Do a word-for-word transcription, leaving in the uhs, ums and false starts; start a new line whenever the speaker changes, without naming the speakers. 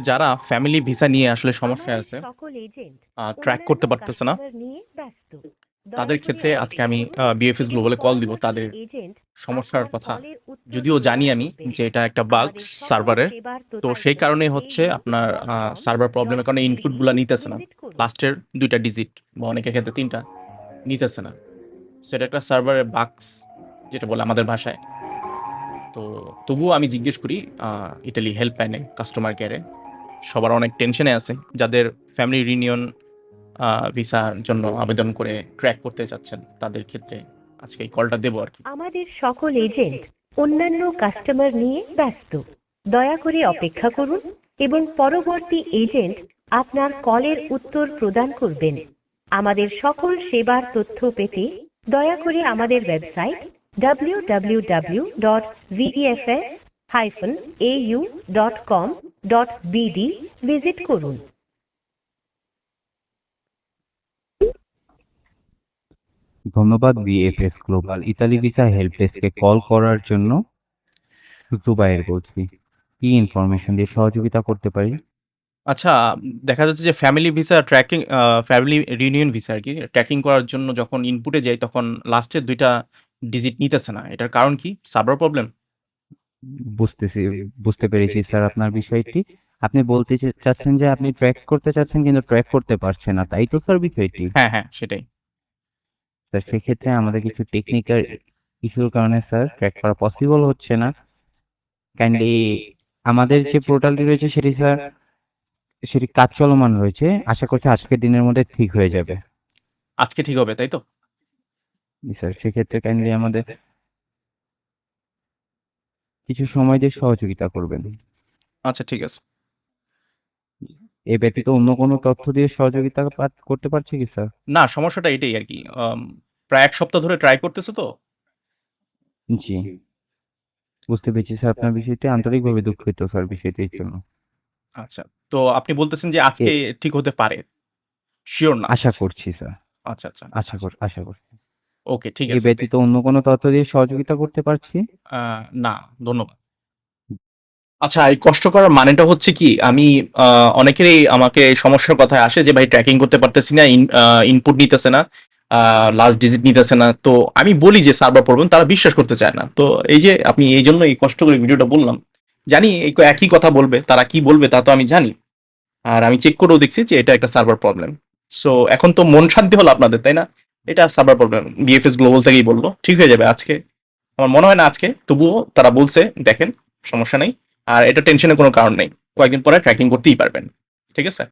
যারা family visa নিয়ে আসলে সমস্যায়
আমাদের
আছে,
সকল এজেন্ট
ট্র্যাক
অন্যান্য
করতে পারতেছে না,
কাস্টমার নিয়ে ব্যস্ত।
তাদের
দয়া করে
ক্ষেত্রে আজকে
অপেক্ষা
আমি
করুন
বিএফএস
এবং
গ্লোবালে কল দিব।
পরবর্তী
তাদের
এজেন্ট
সমস্যার
আপনার
কথা
কলের উত্তর
যদিও জানি
প্রদান
আমি
করবেন।
যে এটা একটা বাগস
আমাদের সকল
সার্ভারের।
সেবার
তো
তথ্য
সেই কারণে হচ্ছে
এইউ
আপনার
ডট কম
সার্ভার
ডট
প্রবলেমের কারণে
বিডি
ইনপুটগুলো নিতেছে না,
ভিজিট করুন।
লাস্টের দুইটা ডিজিট বা অনেকের ক্ষেত্রে তিনটা নিতেছে না। সেটা একটা সার্ভারের বাগস যেটা বলে আমাদের ভাষায়। তো তবুও আমি জিজ্ঞেস করি ইটালি হেল্পলাইনে, কাস্টমার কেয়ারে, সবার অনেক টেনশনে আছে যাদের ফ্যামিলি রিউনিয়ন ভিসার জন্য আবেদন করে ট্র্যাক করতে চাচ্ছেন, তাদের ক্ষেত্রে আজকে এই কলটা দেবো আর কি।
আমাদের সকল এজেন্ট অন্যান্য কাস্টমার নিয়ে ব্যস্ত। দয়া করে অপেক্ষা করুন এবং পরবর্তী এজেন্ট আপনার কলের উত্তর প্রদান করবেন। আমাদের সকল সেবার তথ্য পেতে দয়া করে আমাদের website W W W dot VFS AU dot com dot BD visit করুন।
ধন্যবাদ VFS global Italy visa help ডেস্কে কল করার জন্য। জুবায়ের বলছি, কি ইনফরমেশন দিয়ে সহযোগিতা করতে পারি?
আচ্ছা, দেখা যাচ্ছে যে family visa tracking, family reunion visa আর কি, ট্র্যাকিং করার জন্য যখন ইনপুটে যাই তখন লাস্টের দুইটা ডিজিট নিতেছে না। এটার কারণ কি? Server problem?
বুঝতেছি, বুঝতে পেরেছি স্যার আপনার বিষয়টি। আপনি বলতে চা- চাচ্ছেন যে আপনি ট্র্যাক করতে চাচ্ছেন কিন্তু ট্র্যাক করতে পারছেন না, তাই তো স্যার বিষয়টি?
হ্যাঁ হ্যাঁ, সেটাই।
স্যার সেক্ষেত্রে আমাদের কিছু টেকনিক্যাল ইস্যুর কারণে স্যার ট্র্যাক করা পসিবল হচ্ছে না। কাইন্ডলি আমাদের যে পোর্টালটি রয়েছে সেটি স্যার, সেটি কাজ চলমান রয়েছে, আশা করছি আজকের দিনের মধ্যে ঠিক হয়ে যাবে।
আজকে ঠিক হবে, তাই তো?
জি স্যার, সেক্ষেত্রে কাইন্ডলি আমাদের কিছু সময় দিয়ে সহযোগিতা করবেন।
আচ্ছা, ঠিক আছে।
এ ব্যতীত অন্য কোনো তথ্য দিয়ে সহযোগিতা পা- করতে পারছি কি স্যার?
না, সমস্যাটা এটাই আর কি। আম, প্রায় এক সপ্তাহ ধরে ট্রাই করতেছো তো।
জি, বুঝতে পেরেছি স্যার আপনার বিষয়টি, আন্তরিকভাবে দুঃখিত স্যার বিষয়টির জন্য।
আচ্ছা, তো আপনি বলতেছেন যে
এ
আজকে ঠিক হতে পারে, শিওর না?
আশা করছি স্যার,
আচ্ছা আচ্ছা,
আশা কর আশা করছি।
ওকে, ঠিক
এ
আছে।
ব্যতীত অন্য কোনো তথ্য দিয়ে সহযোগিতা করতে পারছি?
আহ, না, ধন্যবাদ। আচ্ছা, এই কষ্ট করার মানেটা হচ্ছে কি, আমি আহ, অনেকেরই আমাকে এই সমস্যার কথা আসে যে ভাই ট্র্যাকিং করতে পারতেছি না, ইনপুট নিতেছে না, লাস্ট ডিজিট নিতেছে না। তো আমি বলি যে সার্ভার প্রবলেম, তারা বিশ্বাস করতে চায় না। তো এই যে আপনি এই জন্য এই কষ্ট করে ভিডিওটা বললাম, জানি এই ক- একই কথা বলবে, তারা কি বলবে তা তো আমি জানি। আর আমি চেক করেও দেখছি যে এটা একটা সার্ভার প্রবলেম। সো এখন তো মন শান্তি হলো আপনাদের, তাই না? এটা সার্ভার প্রবলেম, বিএফএস গ্লোবাল থেকেই বললো, ঠিক হয়ে যাবে আজকে। আমার মনে হয় না আজকে, তবুও তারা বলছে, দেখেন, সমস্যা নেই। আর এটা টেনশনের কোনো কারণ নেই, কয়েকদিন পরে ট্র্যাকিং করতেই পারবেন। ঠিক আছে।